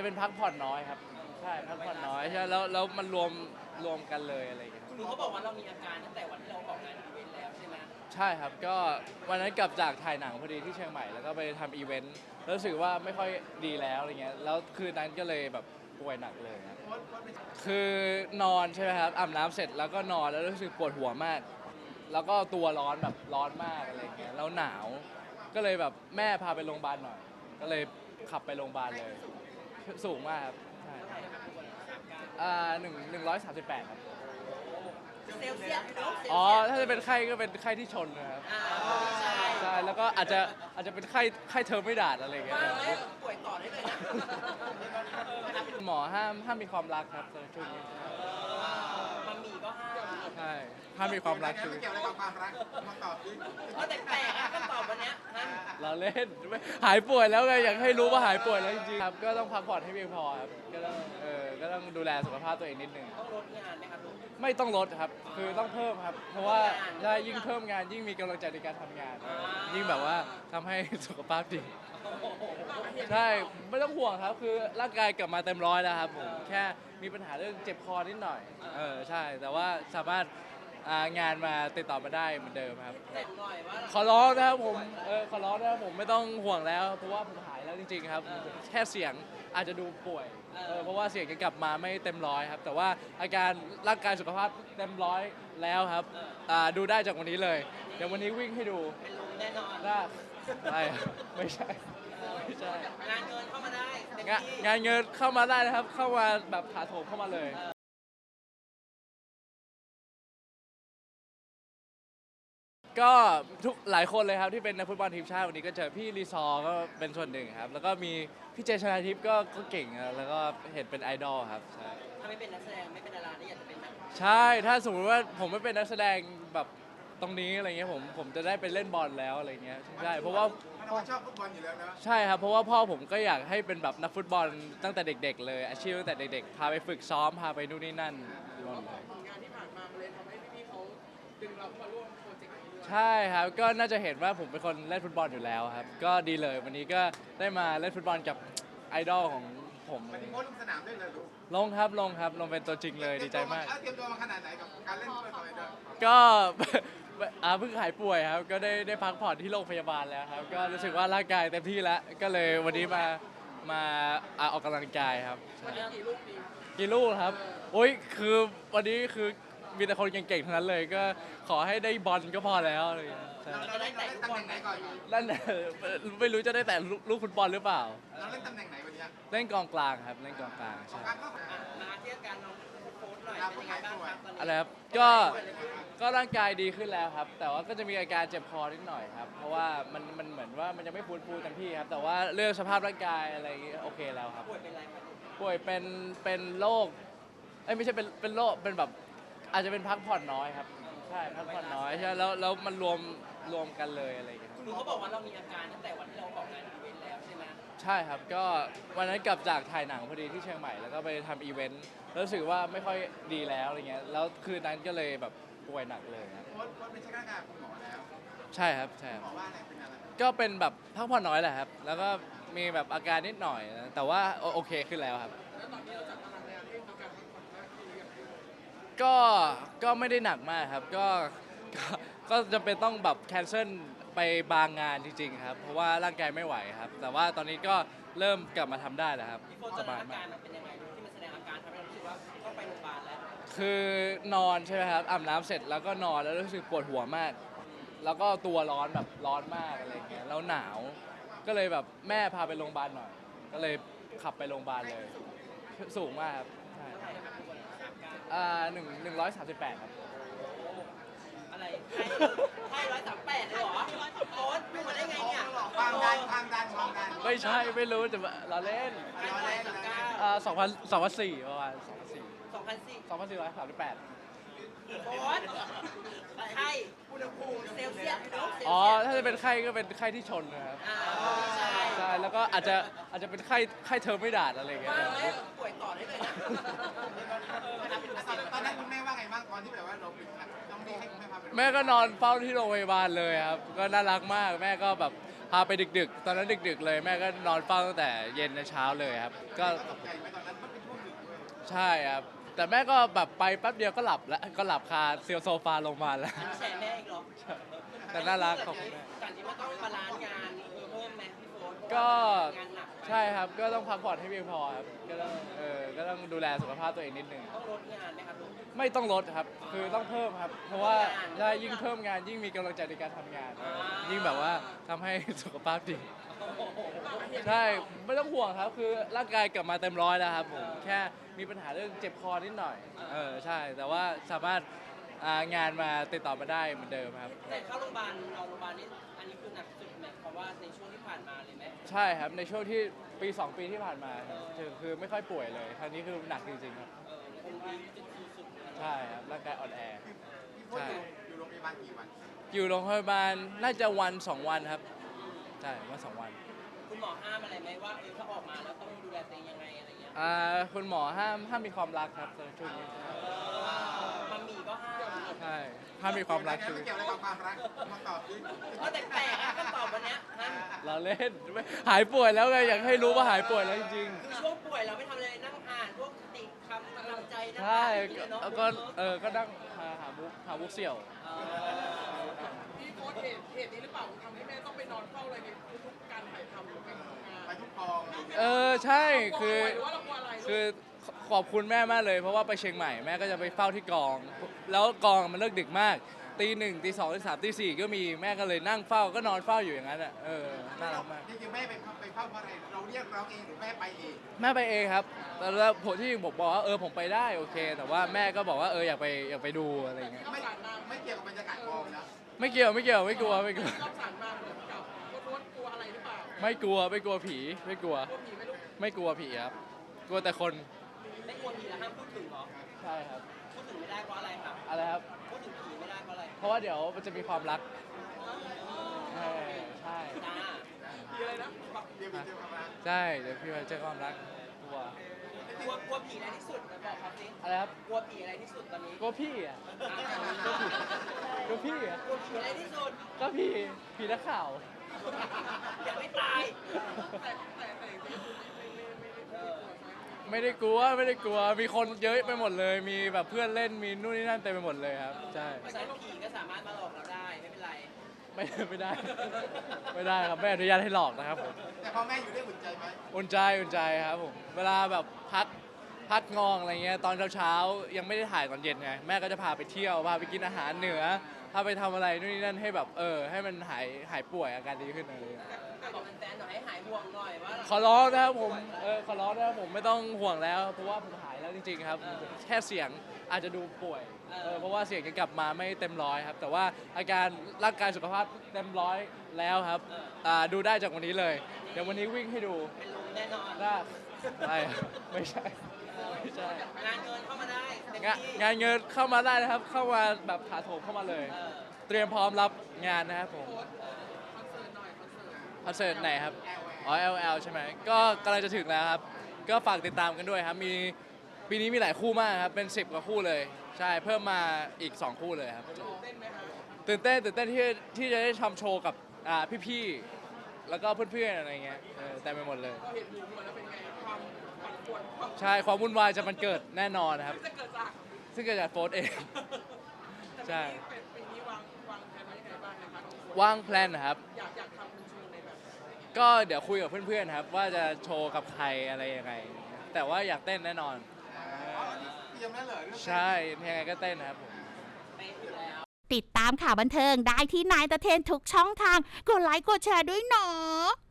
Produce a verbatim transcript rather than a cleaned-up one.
เป็นพักผ่อนน้อยครับใช่พักผ่อนน้อยใช่แล้วแล้วมันรวมรวมกันเลยอะไรอย่างเงี้ยครับคือเขาบอกว่าเรามีอาการตั้งแต่วันที่เราออกงานอีเวนต์แล้วใช่ไหมใช่ครับก็วันนั้นกลับจากถ่ายหนังพอดีที่เชียงใหม่แล้วก็ไปทำอีเวนต์แล้วรู้สึกว่าไม่ค่อยดีแล้วอะไรเงี้ยแล้วคืนนั้นก็เลยแบบป่วยหนักเลยครับคือนอนใช่ไหมครับอาบน้ำเสร็จแล้วก็นอนแล้วรู้สึกปวดหัวมาก แล้วก็ตัวร้อนแบบร้อนมากอะไรเงี้ยแล้วหนาวก็เลยแบบแม่พาไปโรงพยาบาลหน่อยก็เลยขับไปโรงพยาบาลเลยสูงมากครับใช่อ่าหนึ่งหนึ่งร้อยสามสิบแปดครับเซลเซียสเนาะอ๋อถ้าจะเป็นไข้ก็เป็นไข้ที่ชนนะครับอ่าใช่ใช่แล้วก็อาจจะอาจจะเป็นไข้ไข้เทอร์ไม่ดาดอะไรเงี้ยว่าแล้วป่วยต่อได้เลยนะหมอห้ามห้ามมีความรักครับในช่วงนี้มันมีก็ห้ามใช่ห้ามมีความรักช่วงไม่นี้เกี่ยวอะไรกับความรักมาตอบดิก็แปลกๆอะคำตอบวันเนี้ยฮะเราเล่นไม่หายป่วยแล้วไงอยากให้รู้ว่าหายป่วยแล้วจริงๆครับก็ต้องพักผ่อนให้เพียงพอครับก็ต้องเออก็ต้องดูแลสุขภาพตัวเองนิดนึงต้องลดงานไหมครับลูกไม่ต้องลดครับคือต้องเพิ่มครับ เพราะว่าถ้ายิ่งเพิ่มงานยิ่งมีกำลังใจในการทำงาน ยิ่งแบบว่าทำให้สุขภาพดีใช่ไม่ต้องห่วงครับคือร่างกายกลับมาเต็มร้อยแล้วครับผมแค่มีปัญหาเรื่องเจ็บคอนิดหน่อยเออใช่แต่ว่าสามารถอ่างานมาติดต่อมาได้เหมือนเดิมครับเจ็บหน่อยว่าขอร้องนะครับผมเออขอร้องนะครับผมไม่ต้องห่วงแล้ว เพราะว่าผมหายแล้วจริงๆครับแค่เสียงอาจจะดูป่วยเออเพราะว่าเสียงจะกลับมาไม่เต็มร้อยครับแต่ว่าอาการร่างกายสุขภาพเต็มร้อยแล้วครับอ่าดูได้จากวันนี้เลยเดี๋ยววันนี้วิ่งให้ดูเป็นลมแน่นอนได้ไม่ไม่ใช่ไม่ใช่งานเงินเข้ามาได้เต็มงานที่งานเงินเข้ามาได้นะครับ เข้ามาแบบถาโถมเข้ามาเลย ก็ทุกหลายคนเลยครับที่เป็นนักฟุตบอลทีมชาติวันนี้ก็เจอพี่รีซอร์ก็เป็นส่วนหนึ่งครับ แล้วก็มีพี่เจชนาทิพย์ก็ก็เก่งครับแล้วก็เห็นเป็นไอดอลครับใช่ถ้าไม่เป็นนักแสดงไม่เป็นดาราได้อยากจะเป็นนักใช่ถ้าสมมติว่าผมไม่เป็นนักแสดงแบบตรงนี้อะไรเงี้ยผมผมจะได้ไปเล่นบอลแล้วอะไรเงี้ยใช่เพราะว่ามันเราชอบฟุตบอลอยู่แล้วนะใช่ครับเพราะว่าพ่อผมก็อยากให้เป็นแบบนักฟุตบอลตั้งแต่เด็ก ๆ เลยอาชีพตั้งแต่เด็กๆพาไปฝึกซ้อมพาไปนู่นนี่นั่นรวมเลยงานที่ผ่านมาเลยทำให้พี่ๆเขาดึงเราเข้ามาร่วมโปรเจกต์นี้ด้วยใช่ครับก็น่าจะเห็นว่าผมเป็นคนเล่นฟุตบอลอยู่แล้วครับก็ดีเลยวันนี้ก็ได้มาเล่นฟุตบอลกับไอดอลของผมมันถึงโค้ชลงสนามด้วยเลยลูกลงครับลงครับลงเป็นตัวจริงเลยดีใจมากเตรียมตัวมาขนาดไหนกับการเล่นฟุตบอลด้วยก็ อาเพิ่งหายป่วยครับก็ได้ได้พักผ่อนที่โรงพยาบาลแล้วครับก็รู้สึกว่าร่างกายเต็มที่แล้วก็เลยวันนี้มามาอ่าออกกำลังกายครับวันนี้กี่ลูกดีกี่ลูกครับโอ้ยคือวันนี้คือมีแต่คนเก่งๆทั้งนั้นเลยก็ขอให้ได้บอลก็พอแล้วอะไรอย่างเงี้ยใช่เราเราเล่นเราเล่นตำแหน่งไหนก่อนนั่นน่ะไม่รู้จะได้แต่ลูกฟุตบอลหรือเปล่าเราเล่นตำแหน่งไหนวันนี้เล่นกองกลางครับเล่นกองกลางใช่การก็อ่ะมาเทียบกันน้องโค้ชหน่อยเป็นยังไงบ้างครับตอนนี้อะไรครับก็ก็ร่างกายดีขึ้นแล้วครับ แต่ว่าก็จะมีอาการเจ็บคอนิดหน่อยครับ เพราะว่ามันมันเหมือนว่ามันยังไม่ฟื้นฟูเต็มที่ครับ แต่ว่าเรื่องสภาพร่างกายอะไรอย่างเงี้ยโอเคแล้วครับป่วยเป็นอะไรครับป่วยเป็นเป็นโรคเอ้ยไม่ใช่เป็นเป็นโรคเป็นแบบอาจจะเป็นพักผ่อนน้อยครับใช่พักผ่อนน้อยใช่แล้วแล้วมันรวมรวมกันเลยอะไรอย่างเงี้ยครับคือเขาบอกว่าเรามีอาการตั้งแต่วันที่เราออกงานอีเวนต์แล้วใช่ไหมใช่ครับก็วันนั้นกลับจากถ่ายหนังพอดีที่เชียงใหม่แล้วก็ไปทำอีเวนต์แล้วรู้สึกว่าไม่ค่อยดีแล้วอะไรเงี้ยแล้วคืนนั้นก็เลยแบบป่วยหนักเลยครับโค้ชโค้ชเป็นเช็คร่างกายคุณหมอแล้วใช่ครับใช่ครับหมอว่าอะไรเป็นอะไรก็เป็นแบบพักผ่อนน้อยแหละครับ แล้วก็มีแบบอาการนิดหน่อยนะแต่ว่าโอโอเคขึ้นแล้วครับ ก็ ก็ไม่ได้หนักมากครับ ก็ ก็ ก็จะเป็นต้องแบบแคนเซิลไปบางงานจริงๆครับ เพราะว่าร่างกายไม่ไหวครับ แต่ว่าตอนนี้ก็เริ่มกลับมาทำได้แล้วครับพี่โค้ชสตอนนั้บาน ยอามาการกมันเป็นยังไงที่มันแสดงอาการทำให้เรารู้สึกว่าต้องไปโรงพยาบาลแล้วคือนอนใช่ไหมครับอาบน้ำเสร็จแล้วก็นอนแล้วรู้สึกปวดหัวมาก แล้วก็ตัวร้อนแบบร้อนมากอะไรเงี้ยแล้วหนาว ก็เลยแบบแม่พาไปโรงพยาบาลหน่อย ก็เลยขับไปโรงพยาบาลเลย สูงมากครับใช่เท่าไหร่ครับทุกคนสามการอ่าหนึ่งหนึ่งร้อยสามสิบแปดครับอะไรไข้ร้อยสามแปดเลยเหรอโค้ชไม่มาได้ไงเนี่ยความดันความดันความดันไม่ใช่ไม่รู้แต่ว่าเราเล่นเราเล่นเราเล่นอ่าสองพันสองพันสี่ประมาณสองพันสี่สองพันสี่สองพันสี่ร้อยสามสิบแปดโค้ชไข้อุณหภูมิเซลเซียสเนาะเซลเซียสอ๋อถ้าจะเป็นไข้ก็เป็นไข้ที่ชนนะครับอ่าใช่ใช่แล้วก็อาจจะอาจจะเป็นไข้ไข้เทอร์ไม่ดาดอะไรเงี้ยว่าแล้วป่วยต่อได้เลยนะตอนนั้นคุณแม่ว่าไงบ้างตอนที่แบบว่าเราเป็นต้องรีบให้คุณแม่พาไปแม่ก็นอนเฝ้าที่โรงพยาบาลเลยครับก็น่ารักมากแม่ก็แบบพาไปดึกๆ ตอนนั้นดึกๆเลยแม่ก็นอนเฝ้าตั้งแต่เย็นจนเช้าเลยครับก็ตกใจไหมตอนนั้นมันเป็นช่วงดึกด้วยใช่ครับแต่แม่ก็แบบไปแป๊บเดียวก็หลับแล้วก็หลับคาเซียวโซฟาลงมาแล้วอันนี้แชร์แม่อีกเหรอแต่น่ารักขอบคุณแม่การที่ว่าต้องบาลานซ์งานเพิ่มไหมพี่โฟนก็งานหนักใช่ครับก็ต้องพักผ่อนให้เพียงพอครับก็ต้องเออก็ต้องดูแลสุขภาพตัวเองนิดนึงต้องลดงานไหมครับลูกไม่ต้องลดครับคือต้องเพิ่มครับ เพราะว่าถ้ายิ่งเพิ่มงานยิ่งมีกำลังใจในการทำงาน ยิ่งแบบว่าทำให้สุขภาพดีใช่ไม่ต้องห่วงครับคือร่างกายกลับมาเต็มร้อยแล้วครับผมแค่มีปัญหาเรื่องเจ็บคอนิดหน่อยเออใช่แต่ว่าสามารถอ่างานมาติดต่อมาได้เหมือนเดิมครับแต่เข้าโรงพยาบาลนอนโรงพยาบาลนี่อันนี้คือหนักสุดไหมเพราะว่าในช่วงที่ผ่านมาเลยไหมใช่ครับในช่วงที่ปีสองปีที่ผ่านมาครับคือคือไม่ค่อยป่วยเลยครั้งนี้คือหนักจริงๆครับเออคงดีจุดสุดๆเลยใช่ครับร่างกายอ่อนแอพี่พจน์อยู่อยู่โรงพยาบาลกี่วันอยู่โรงพยาบาลน่าจะวันสองวันครับใช่วันสองวันคุณหมอห้ามอะไรไหมว่าเออถ้าออกมาแล้วต้องดูแลตัวเองยังไงอะไรเงี้ยอ่าคุณหมอห้ามห้ามมีความรักครับในช่วงนี้มัมมี่ก็ห้ามใช่ห้ามมีความรักคืคือ อไม่เกี่ยวอะไรกับความรักมาตอบดิเออแต่แปลกอะคำตอบวันเนี้ยฮะเราเล่นไม่หายป่วยแล้วไงอยากให้รู้ว่าหายป่วยแล้วจริงคือช่วงป่วยเราไม่ทำอะไรนั่งอ่านพวกติดคำกำลังใจๆนั่งใช่อ่านอย่างเงี้ยเนาะแล้วก็เออก็นั่งหาหาบุกหาบุกเสี่ยวเออพี่โพสต์เหตุเหตุนี้หรือเปล่าทำให้แม่ต้องไปนอนเฝ้าอะไรในทุกๆการถ่ายทำหรือไปทำงานไปทุกกองเออใช่คือหรือว่าเรากลัวอะไรคือขอบคุณแม่มากเลยเพราะว่าไปเชียงใหม่แม่ก็จะไปเฝ้าที่กอง แล้วกองมันเลิกดึกมากตีหนึ่งตีสองตีสามตีสี่ก็มีแม่ก็เลยนั่งเฝ้าก็นอนเฝ้าอยู่อย่างนั้นอ่ะเออน่ารักมากจริงๆแม่ไปไปเฝ้าเพราะอะไรเราเรียกร้องเองหรือแม่ไปเองแม่ไปเองครับแต่แล้วผมที่ผมบอกว่าเออผมไปได้โอเค แต่ว่าแม่ก็บอกว่าเอออยากไปอยากไปดูอะไรอย่างเงี้ยไม่ไม่เกี่ยวกับบรรยากาศกองนะไม่เกี่ยวไม่เกี่ยวไม่กลัวไม่กลัวที่รับสารมาเหมือนกับโพสต์กลัวอะไรหรือเปล่าไม่กลัวไม่กลัวผีไม่กลัวกลัวผีไหมลูกไม่กลัวผีครับกลัวแต่คนไม่กลัวผีแล้วห้ามพูดถึงเหรอใช่ครับพูดถึงไม่ได้เพราะอะไรครับอะไรครับพูดถึงผีไม่ได้เพราะอะไรเพราะว่าเดี๋ยวมันจะมีความรักใช่ใช่จ้าผีอะไรนะเดี๋ยวไปเจอความรักใช่เดี๋ยวพี่ไปเจอความรักกลัวกลัวกลัวผีอะไรที่สุดมาบอกครับสิอะไรครับกลัวผีอะไรที่สุดตอนนี้กลัวพี่อ่ะกลัวพี่อ่ะกลัวผีอะไรที่สุดก็พี่ผีนักข่าวอย่าไม่ตายแต่แต่แต่จริงๆคือไม่ไม่ไม่ไม่เอไม่อกลัวใช่ไหมไม่ได้กลัวไม่ได้กลัวมีคนเยอะไปหมดเลย มีแบบเพื่อนเล่นมีนู่นนี่นั่นเต็มไปหมดเลยครับใช่เพราะฉะนั้นผีก็สามารถมาหลอกเราได้ไม่เป็นไรไม่ไม่ได้ ไม่ได้ครับไม่อนุญาตให้หลอกนะครับผมแต่พอแม่อยู่ได้อุ่นใจไหมอุ่นใจอุ่นใจครับผมเวลาแบบพักพักงองอะไรเงี้ยตอนเช้าๆยังไม่ได้ถ่ายตอนเย็นไงแม่ก็จะพาไปเที่ยวพาไปกินอาหารเหนือพาไปทำอะไรนู่นนี่นั่นให้แบบเออให้มันหายหายป่วยอาการดีขึ้นอะไรเงี้ยบอกแฟนๆหน่อยให้หายห่วงหน่อยว่าขอร้องนะครับผมเออขอร้องนะครับผมไม่ต้องห่วงแล้วเพราะว่าผมหายแล้วจริงๆครับแค่เสียงอาจจะดูป่วยเออเพราะว่าเสียงยังกลับมาไม่เต็มร้อยครับแต่ว่าอาการร่างกายสุขภาพเต็มร้อยแล้วครับอ่าดูได้จากวันนี้เลย เดี๋ยววันนี้วิ่งให้ดูเป็นลมแน่นอนได้ไม่ไม่ใช่ไม่ใช่งานเงินเข้ามาได้เต็มงานที่งานเงินเข้ามาได้นะครับ เข้ามาแบบถาโถมเข้ามาเลยเออเตรียมพร้อมรับงานนะครับผมโพสต์คอนเสิร์ตหน่อยคอนเสิร์ตคอนเสิร์ตไหนครับอ๋อ แอล แอล ใช่ไหมก็กำลังจะถึงแล้วครับ ก็ฝากติดตามกันด้วยครับมีปีนี้มีหลายคู่มากครับเป็นสิบกว่าคู่เลย ใช่เพิ่มมาอีกสองคู่เลยครับเต้นไหมคะตื่นเต้นตื่นเต้นที่ที่จะได้ทำโชว์กับอ่าพี่ๆแล้วก็เพื่อนๆอะไรเงี้ยเออเต็มไปหมดเลยก็เห็นหมูหมดแล้วเป็นไงความปั่นป่วนความใช่ความวุ่นวายจะมันเกิดแน่นอนนะครับจะเกิดจากซึ่งเกิดจากโฟร์เอง ใช่แต่ปีนี้วางวางแผนไว้ยังไงบ้างนะคะทุกคนว่างแพลนนะครับอยากอยากทำเป็นโชว์ในแบบไหนก็เดี๋ยวคุยกับเพื่อนๆครับ ว่าจะโชว์กับใครอะไรยังไง แต่ว่าอยากเต้นแน่นอนอ๋ออันนี้เตรียมแล้วเหรอเรื่องใช่ยังไงก็เต้นนะครับผมไปอยู่แล้วติดตามข่าวบันเทิงได้ที่นายตะเทนทุกช่องทาง กดไลค์กดแชร์ด้วยเนาะ